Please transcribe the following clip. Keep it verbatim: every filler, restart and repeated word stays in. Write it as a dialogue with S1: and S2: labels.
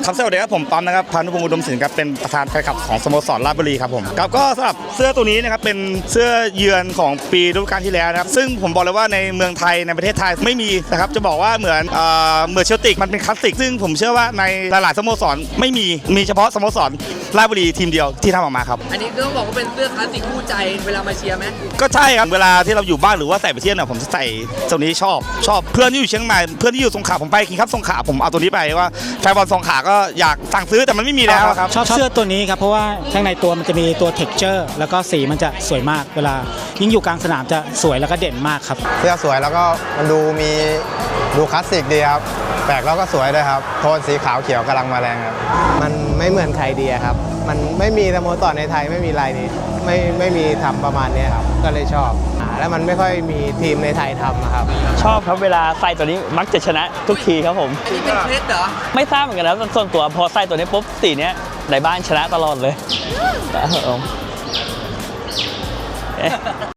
S1: ครับสวัสดีครับผมต้อมนะครับพานุพงศ์อุดมศิลป์ครับเป็นประธานแฟนคลับของสโมสรราชบุรีครับผมครับก็สำหรับเสื้อตัวนี้นะครับเป็นเสื้อเยือนของปีฤดูกาลที่แล้วนะครับซึ่งผมบอกเลยว่าในเมืองไทยในประเทศไทยไม่มีนะครับจะบอกว่าเหมือนเอ่อเหมือนเชลติกมันเป็นคลาสสิกซึ่งผมเชื่อว่าในหลายๆสโมสรไม่มีมีเฉพาะสโมสรราชบุรีทีมเดียวที่ทำออกมาครับ
S2: อันนี้ก็ต้องบอกว่าเป็นเสื้อคลาสสิกคู่ใจเวลามาเชียร์ไหม
S1: ก็ใช่ครับเวลาที่เราอยู่บ้านหรือว่าใส่ไปเที่ยวเนี่ยผมจะใส่ตัวนี้ชอบชอบเพื่อนที่อยู่เชียงใหม่เพื่อนที่อยู่สงขลาผมไปคิงคัพสงขลาผมเอาตัวนี้ไปว่าแฟนบอลสงขลาก็อยากสั่งซื้อแต่มันไม่มีแล้วครับ
S3: ชอบเสื้อตัวนี้ครับเพราะว่าข้างในตัวมันจะมีตัว texture แล้วก็สีมันจะสวยมากเวลายิ่งอยู่กลางสนามจะสวยแล้วก็เด่นมากครับ
S4: เสื้อสวยแล้วก็มันดูมีดูคลาสสิกดีครับแปลกแล้วก็สวยด้วยครับโทนสีขาวเขียวกำลังมาแรงครับมันไม่เหมือนใครดีครับมันไม่มีสโมสรในไทยไม่มีลายนี้ไม่ไม่มีทำประมาณนี้ครับก็เลยชอบแล้วมันไม่ค่อยมีทีมในไทยทำครับ
S5: ชอบครับเวลาใส่ตัวนี้มักจะชนะทุกทีครับผม
S2: อันนี้เป็นเคล็ดเหรอ
S5: ไม่ทราบเหมือนกันนะส่วนตัวพอใส่ตัวนี้ปุ๊บสีเนี้ยในบ้านชนะตลอดเลยครับผม